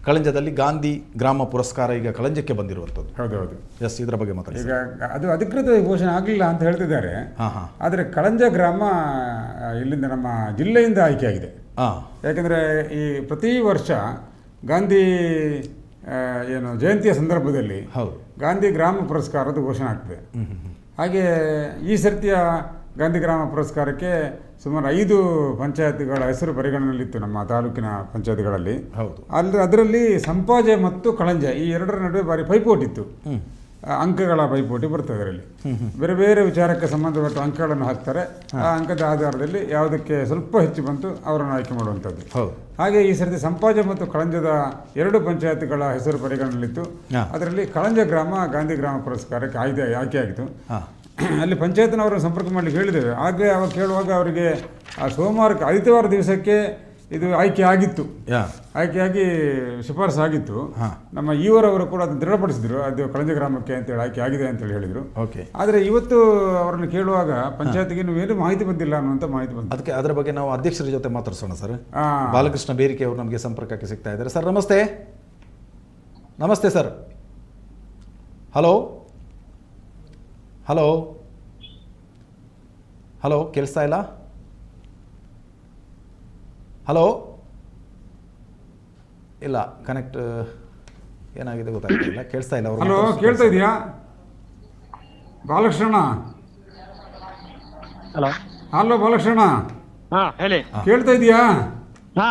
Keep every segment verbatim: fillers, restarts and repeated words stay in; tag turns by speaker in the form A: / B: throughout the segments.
A: ಕಳಂಜದಲ್ಲಿ ಗಾಂಧಿ ಗ್ರಾಮ ಪುರಸ್ಕಾರ ಈಗ ಕಳಂಜಕ್ಕೆ ಬಂದಿರುವಂಥದ್ದು.
B: ಹೌದು ಹೌದು
A: ಎಸ್, ಇದರ ಬಗ್ಗೆ ಮಾತಾಡಿ.
B: ಈಗ ಅದು ಅಧಿಕೃತ ಘೋಷಣೆ ಆಗಲಿಲ್ಲ ಅಂತ ಹೇಳ್ತಿದ್ದಾರೆ.
A: ಹಾಂ ಹಾಂ
B: ಆದರೆ ಕಳಂಜ ಗ್ರಾಮ ಇಲ್ಲಿಂದ ನಮ್ಮ ಜಿಲ್ಲೆಯಿಂದ ಆಯ್ಕೆಯಾಗಿದೆ.
A: ಹಾಂ,
B: ಯಾಕೆಂದರೆ ಈ ಪ್ರತಿ ವರ್ಷ ಗಾಂಧಿ ಏನು ಜಯಂತಿಯ ಸಂದರ್ಭದಲ್ಲಿ
A: ಹೌದು
B: ಗಾಂಧಿ ಗ್ರಾಮ ಪುರಸ್ಕಾರದ ಘೋಷಣೆ ಆಗ್ತದೆ. ಹಾಗೆ ಈ ಸರ್ತಿಯ ಗಾಂಧಿ ಗ್ರಾಮ ಪುರಸ್ಕಾರಕ್ಕೆ ಸುಮಾರು ಐದು ಪಂಚಾಯತ್ಗಳ ಹೆಸರು ಪರಿಗಣನೆಯಲ್ಲಿತ್ತು ನಮ್ಮ ತಾಲೂಕಿನ ಪಂಚಾಯತ್ಗಳಲ್ಲಿ.
A: ಹೌದು,
B: ಅಲ್ಲಿ ಅದರಲ್ಲಿ ಸಂಪಾಜೆ ಮತ್ತು ಕಳಂಜ ಈ ಎರಡರ ನಡುವೆ ಭಾರಿ ಪೈಪೋಟಿ ಇತ್ತು. ಅಂಕಗಳ ಪೈಪೋಟಿ ಬರ್ತದೆ ಅದರಲ್ಲಿ. ಬೇರೆ ಬೇರೆ ವಿಚಾರಕ್ಕೆ ಸಂಬಂಧಪಟ್ಟ ಅಂಕಗಳನ್ನು ಹಾಕ್ತಾರೆ. ಆ ಅಂಕದ ಆಧಾರದಲ್ಲಿ ಯಾವುದಕ್ಕೆ ಸ್ವಲ್ಪ ಹೆಚ್ಚು ಬಂತು ಅವರನ್ನು ಆಯ್ಕೆ ಮಾಡುವಂಥದ್ದು.
A: ಹೌದು.
B: ಹಾಗೆ ಈ ಸರ್ತಿ ಸಂಪಾಜೆ ಮತ್ತು ಕಳಂಜದ ಎರಡು ಪಂಚಾಯತ್ಗಳ ಹೆಸರು ಪರಿಗಣನೆಯಲ್ಲಿತ್ತು. ಅದರಲ್ಲಿ ಕಳಂಜ ಗ್ರಾಮ ಗಾಂಧಿ ಗ್ರಾಮ ಪುರಸ್ಕಾರಕ್ಕೆ ಆಯ್ಕೆ ಆಯ್ಕೆಯಾಗಿತ್ತು. ಅಲ್ಲಿ ಪಂಚಾಯತ್ನವರನ್ನು ಸಂಪರ್ಕ ಮಾಡಲಿಕ್ಕೆ ಹೇಳಿದ್ದೇವೆ. ಹಾಗೆ ಅವಾಗ ಕೇಳುವಾಗ ಅವರಿಗೆ ಆ ಸೋಮವಾರಕ್ಕೆ ಆದಿತ್ಯವಾರ ದಿವಸಕ್ಕೆ ಇದು ಆಯ್ಕೆ ಆಗಿತ್ತು, ಆಯ್ಕೆಯಾಗಿ ಶಿಫಾರಸು ಆಗಿತ್ತು. ನಮ್ಮ ಈವರವರು ಕೂಡ ಅದನ್ನು ದೃಢಪಡಿಸಿದ್ರು, ಅದು ಕಳಂಜ ಗ್ರಾಮಕ್ಕೆ ಅಂತೇಳಿ ಆಯ್ಕೆ ಆಗಿದೆ ಅಂತೇಳಿ ಹೇಳಿದರು.
A: ಓಕೆ.
B: ಆದರೆ ಇವತ್ತು ಅವರನ್ನು ಕೇಳುವಾಗ ಪಂಚಾಯತ್ಗೆ ಏನು ಮಾಹಿತಿ ಬಂದಿಲ್ಲ ಅನ್ನುವಂಥ ಮಾಹಿತಿ ಬಂತು.
A: ಅದಕ್ಕೆ ಅದರ ಬಗ್ಗೆ ನಾವು ಅಧ್ಯಕ್ಷರ ಜೊತೆ ಮಾತಾಡ್ಸೋಣ ಸರ್. ಬಾಲಕೃಷ್ಣ ಬೇರಿಕೆ ಅವರು ನಮಗೆ ಸಂಪರ್ಕಕ್ಕೆ ಸಿಗ್ತಾ ಇದ್ದಾರೆ. ಸರ್ ನಮಸ್ತೆ. ನಮಸ್ತೆ ಸರ್. ಹಲೋ ಹಲೋ ಹಲೋ ಕೇಳಿಸ್ತಾ ಇಲ್ಲ? ಹಲೋ ಇಲ್ಲ, ಕನೆಕ್ಟ್ ಏನಾಗಿದೆ ಗೊತ್ತಾಗ್ತಿಲ್ಲ, ಕೇಳಿಸ್ತಾ ಇಲ್ಲ.
B: ಹಲೋ, ಕೇಳ್ತಾ ಇದೆಯಾ ಬಾಲಕೃಷ್ಣ?
C: ಹಲೋ
B: ಹಲೋ ಬಾಲಕೃಷ್ಣ,
C: ಹಾ ಹೇಳಿ.
B: ಕೇಳ್ತಾ ಇದೆಯಾ?
C: ಹಾ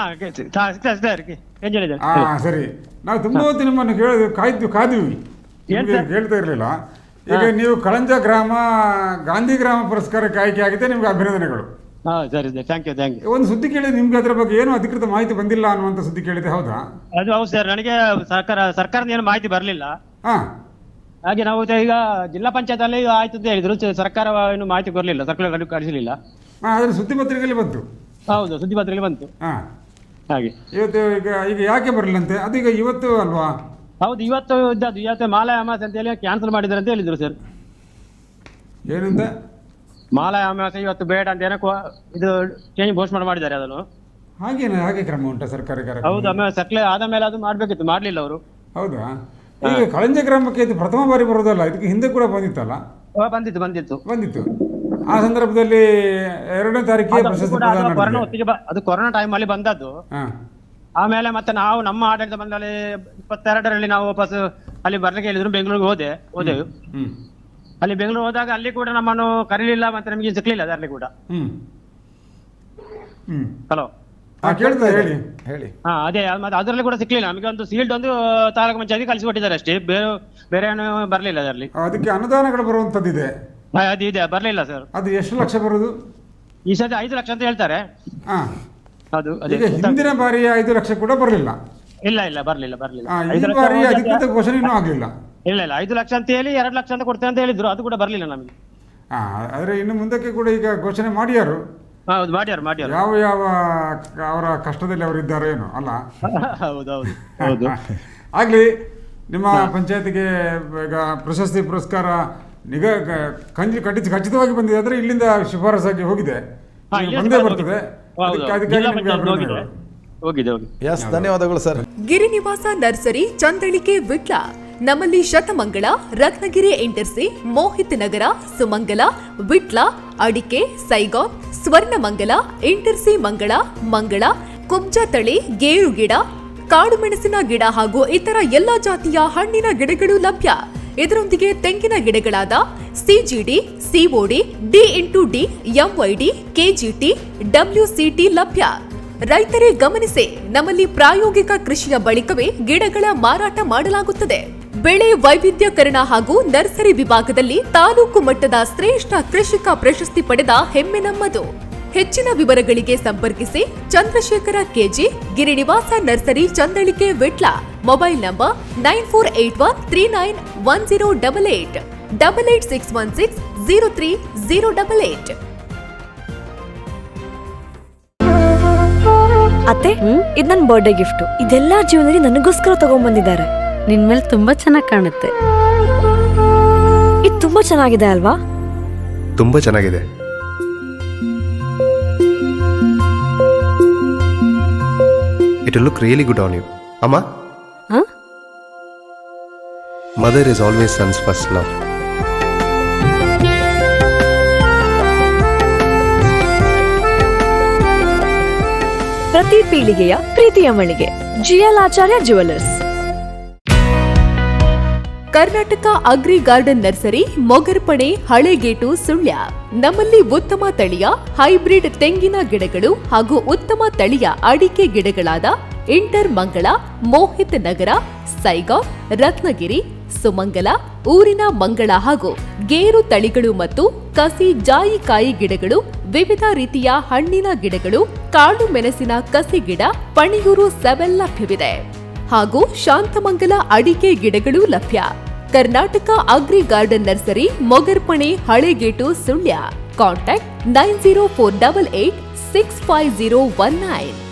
B: ಹಾ ಸರಿ. ನಾವು ತುಂಬ ಹೊತ್ತು ನಿಮ್ಮನ್ನು ಕೇಳಿದ್ವಿ, ಕಾಯ್ದು ಕಾದ್ವಿ, ಕೇಳ್ತಾ ಇರಲಿಲ್ಲ. ಈಗ ನೀವು ಕಳಂಜ ಗ್ರಾಮ ಗಾಂಧಿ ಗ್ರಾಮ ಪುರಸ್ಕಾರಕ್ಕೆ ಆಯ್ಕೆ ಆಗಿದೆ, ನಿಮ್ಗೆ ಅಭಿನಂದನೆಗಳು.
C: Thank you thank you.
B: ಒಂದು ಸುದ್ದಿ ಕೇಳಿದೆ ನಿಮ್ಗೆ, ಅದ್ರ ಬಗ್ಗೆ ಏನು ಅಧಿಕೃತ ಮಾಹಿತಿ ಬಂದಿಲ್ಲ ಅನ್ನುವಂಥ ಸುದ್ದಿ ಕೇಳಿದೆ, ಹೌದಾ?
C: ಅದು ಹೌದು ಸರ್, ನನಗೆ ಸರ್ಕಾರ ಸರ್ಕಾರದ ಏನು ಮಾಹಿತಿ ಬರಲಿಲ್ಲ.
B: ಹಾ,
C: ಹಾಗೆ ನಾವು ಈಗ ಜಿಲ್ಲಾ ಪಂಚಾಯತ್ ಅಲ್ಲಿ ಆಯ್ತು ಅಂತ ಹೇಳಿದ್ರು, ಸರ್ಕಾರ ಏನು ಮಾಹಿತಿ ಬರಲಿಲ್ಲ, ಸರ್ಕಾರ ಕಳಿಸಲಿಲ್ಲ.
B: ಹಾ, ಅದ್ರ ಸುದ್ದಿ ಪತ್ರಿಕೆಯಲ್ಲಿ ಬಂತು.
C: ಹೌದು, ಸುದ್ದಿ ಪತ್ರಿಕೆಯಲ್ಲಿ ಬಂತು.
B: ಹಾ,
C: ಹಾಗೆ
B: ಇವತ್ತು ಈಗ ಈಗ ಯಾಕೆ ಬರಲಿಲ್ಲಂತೆ? ಅದು ಈಗ ಇವತ್ತು ಅಲ್ವಾ?
C: ಹೌದು, ಇವತ್ತು ಇದ್ದದ್ದು. ಇವತ್ತು ಮಾಲಾಯ ಅಮಾವಾಸ್ಯೆ ಅಂತ ಹೇಳಿ ಕ್ಯಾನ್ಸಲ್ ಮಾಡಿದ್ದಾರೆ ಅಂತ ಹೇಳಿದ್ರು ಸರ್.
B: ಏನಂತ?
C: ಮಾಲಾಯ ಅಮಾವಾಸ್ಯೆ ಇವತ್ತು ಬೇಡ ಅಂತ ಏನೋ ಇದು ಚೇಂಜ್ ಘೋಷಣೆ ಮಾಡಿದ್ದಾರೆ ಅದನ್ನು.
B: ಹಾಗೇನ ಹಾಗೆ ಕ್ರಮ ಉಂಟಾ ಸರ್ಕಾರಕ್ಕೆ?
C: ಹೌದು, ಆಮೇಲೆ ಸಕ್ಲೆ ಆದ ಮೇಲೆ ಅದು ಮಾಡ್ಬೇಕಿತ್ತು, ಮಾಡ್ಲಿಲ್ಲ ಅವರು.
B: ಹೌದಾ? ಈಗ ಕಳಂಜ ಗ್ರಾಮಕ್ಕೆ ಇದು ಪ್ರಥಮ ಬಾರಿ ಬರೋದಲ್ಲ, ಇದಕ್ಕೆ ಹಿಂದೆ ಕೂಡ ಬಂದಿತ್ತಲ್ಲ?
C: ಬಂದಿತ್ತು ಬಂದಿತ್ತು
B: ಬಂದಿತ್ತು ಆ ಸಂದರ್ಭದಲ್ಲಿ ಎರಡನೇ ತಾರೀಕಿಗೆ ಪ್ರಶಸ್ತಿ
C: ಕೊರೋನಾ ಹೊತ್ತಿಗೆ ಅದು ಕೊರೋನಾ ಟೈಮ್ ಅಲ್ಲಿ ಬಂದದ್ದು. ಆಮೇಲೆ ಮತ್ತೆ ನಾವು ನಮ್ಮ ಆಡಳಿತ ಬಂದಲ್ಲಿ ಇಪ್ಪತ್ತೆರಡರಲ್ಲಿ ನಾವು ವಾಪಸ್ ಅಲ್ಲಿ ಬರ್ಲಿಕ್ಕೆ ಹೇಳಿದ್ರು, ಬೆಂಗಳೂರಿಗೆ ಹೋದೆ ಹೋದೆವು. ಅಲ್ಲಿ ಬೆಂಗಳೂರು ಹೋದಾಗ ಅಲ್ಲಿ ಕೂಡ ನಮ್ಮನ್ನು ಕರೀಲಿಲ್ಲ, ಮತ್ತೆ ನಮಗೆ ಸಿಕ್ಲಿಲ್ಲ ಅದರಲ್ಲಿ ಕೂಡ. ಹಲೋ
B: ಹೇಳಿ
A: ಹೇಳಿ.
C: ಹಾ, ಅದೇ ಮತ್ತೆ ಅದರಲ್ಲಿ ಕೂಡ ಸಿಕ್ಲಿಲ್ಲ ನಮಗೆ. ಒಂದು ಸೀಲ್ಡ್ ಒಂದು ತಾಲೂಕು ಪಂಚಾಯತಿ ಕಳಿಸಿಕೊಟ್ಟಿದ್ದಾರೆ ಅಷ್ಟೇ, ಬೇರೆ ಬೇರೆ ಏನು ಬರಲಿಲ್ಲ ಅದರಲ್ಲಿ.
B: ಅದಕ್ಕೆ ಅನುದಾನಗಳು ಬರುವಂತದ್ದಿದೆ,
C: ಅದು ಇದೆ, ಬರಲಿಲ್ಲ ಸರ್.
B: ಅದು ಎಷ್ಟು ಲಕ್ಷ ಬರುದು?
C: ಈ ಸತಿ ಐದು ಲಕ್ಷ ಅಂತ ಹೇಳ್ತಾರೆ. ಅದು
B: ಹಿಂದಿನ ಬಾರಿ ಐದು ಲಕ್ಷ ಕೂಡ ಬರಲಿಲ್ಲ.
C: ಇಲ್ಲ ಇಲ್ಲ ಬರ್ಲಿಲ್ಲ ಬರ್ಲಿಲ್ಲ
B: ಈ ಬಾರಿ ಅಧಿಕೃತ ಘೋಷಣೆ ಇನ್ನೂ ಆಗಲಿಲ್ಲ.
C: ಇಲ್ಲ ಇಲ್ಲ ಐದು ಲಕ್ಷ ಅಂತ ಹೇಳಿ ಎರಡು ಲಕ್ಷ ಅಂತ ಕೊಡ್ತೇವೆ ಅಂತ ಹೇಳಿದ್ರು, ಅದು ಕೂಡ ಬರ್ಲಿಲ್ಲ ನಮಗೆ.
B: ಹಾ, ಆದ್ರೆ ಇನ್ನು ಮುಂದಕ್ಕೆ ಕೂಡ ಈಗ ಘೋಷಣೆ ಮಾಡ್ಯಾರು.
C: ಹೌದು, ಮಾಡ್ಯಾರ ಮಾಡ್ಯಾರ.
B: ಯಾವ ಯಾವ ಅವರ ಕಷ್ಟದಲ್ಲಿ ಅವರು ಇದ್ದಾರೋ ಏನೋ ಅಲ್ಲ.
C: ಹೌದೌದು ಹೌದು.
B: ಆಗ್ಲಿ, ನಿಮ್ಮ ಪಂಚಾಯತಿಗೆ ಈಗ ಪ್ರಶಸ್ತಿ ಪುರಸ್ಕಾರ ನಿಗ ಕಂಜಿ ಕಟ್ಟಿಸಿ ಖಚಿತವಾಗಿ ಬಂದಿದೆ. ಆದ್ರೆ ಇಲ್ಲಿಂದ ಶಿಫಾರಸಾಗಿ ಹೋಗಿದೆ, ಬಂದೇ ಬರ್ತದೆ.
A: ಧನ್ಯವಾದಗಳು ಸರ್.
D: ಗಿರಿನಿವಾಸ ನರ್ಸರಿ, ಚಂದಳಿಕೆ, ವಿಟ್ಲ. ನಮ್ಮಲ್ಲಿ ಶತಮಂಗಳ, ರತ್ನಗಿರಿ ಎಂಟರ್ಸಿ, ಮೋಹಿತ್ ನಗರ, ಸುಮಂಗಲ, ವಿಟ್ಲ, ಅಡಿಕೆ, ಸೈಗಾನ್, ಸ್ವರ್ಣಮಂಗಲ, ಎಂಟರ್ಸಿ ಮಂಗಳ, ಮಂಗಳ, ಕುಬ್ಜ ತಳಿ, ಗೇರು ಗಿಡ, ಕಾಡು ಮೆಣಸಿನ ಗಿಡ ಹಾಗೂ ಇತರ ಎಲ್ಲಾ ಜಾತಿಯ ಹಣ್ಣಿನ ಗಿಡಗಳು ಲಭ್ಯ. ಇದರೊಂದಿಗೆ ತೆಂಗಿನ ಗಿಡಗಳಾದ CGD, COD, D into D, MYD, KGT, WCT ಲಭ್ಯ. ರೈತರೇ ಗಮನಿಸಿ, ನಮ್ಮಲ್ಲಿ ಪ್ರಾಯೋಗಿಕ ಕೃಷಿಯ ಬಳಿಕವೇ ಗಿಡಗಳ ಮಾರಾಟ ಮಾಡಲಾಗುತ್ತದೆ. ಬೆಳೆ ವೈವಿಧ್ಯಕರಣ ಹಾಗೂ ನರ್ಸರಿ ವಿಭಾಗದಲ್ಲಿ ತಾಲೂಕು ಮಟ್ಟದ ಶ್ರೇಷ್ಠ ಕೃಷಿಕ ಪ್ರಶಸ್ತಿ ಪಡೆದ ಹೆಮ್ಮೆ ನಮ್ಮದು. ಹೆಚ್ಚಿನ ವಿವರಗಳಿಗೆ ಸಂಪರ್ಕಿಸಿ Chandrashekhara KG, Girinivasa nursery, Chandalike, Vitla. Mobile number nine four eight one three nine one zero double eight double eight six one six zero three zero double eight.
E: ಅತ್ತೆ, ಇದು ನನ್ನ ಬರ್ಡೇ ಗಿಫ್ಟ್. ಇದೆಲ್ಲ ಜೀವನದಲ್ಲಿ ನನಗೋಸ್ಕರ ತಗೊಂಡ್ಬಂದಿದ್ದಾರೆ.
F: ನಿನ್ ಮೇಲೆ ತುಂಬಾ ಚೆನ್ನಾಗಿ ಕಾಣುತ್ತೆ.
E: ಇದು ತುಂಬಾ ಚೆನ್ನಾಗಿದೆ ಅಲ್ವಾ?
G: ತುಂಬಾ ಚೆನ್ನಾಗಿದೆ. It will look really good on you. ಅಮ್ಮ, mother is always sons first love.
E: ಪ್ರತಿ ಪೀಳಿಗೆಯ ಪ್ರೀತಿಯ ಮಳಿಗೆ GL Acharya jewellers.
D: Karnataka agri garden nursery, Mogarpane, Halegate, Sullia. ನಮ್ಮಲ್ಲಿ ಉತ್ತಮ ತಳಿಯ ಹೈಬ್ರಿಡ್ ತೆಂಗಿನ ಗಿಡಗಳು ಹಾಗೂ ಉತ್ತಮ ತಳಿಯ ಅಡಿಕೆ ಗಿಡಗಳಾದ ಇಂಟರ್ ಮಂಗಳ, ಮೋಹಿತ್ ನಗರ, ಸೈಗಾವ್, ರತ್ನಗಿರಿ, ಸುಮಂಗಲ, ಊರಿನ ಮಂಗಳ ಹಾಗೂ ಗೇರು ತಳಿಗಳು ಮತ್ತು ಕಸಿ ಜಾಯಿಕಾಯಿ ಗಿಡಗಳು, ವಿವಿಧ ರೀತಿಯ ಹಣ್ಣಿನ ಗಿಡಗಳು, ಕಾಳು ಮೆಣಸಿನ ಕಸಿ ಗಿಡ, ಪಣಿಯೂರು ಸೆವೆಲ್ ಲಭ್ಯವಿದೆ ಹಾಗೂ ಶಾಂತಮಂಗಲ ಅಡಿಕೆ ಗಿಡಗಳು ಲಭ್ಯ. Karnataka agri garden nursery, Mogarpane, Halegate, Sullia. Contact nine zero four double eight six five zero one nine.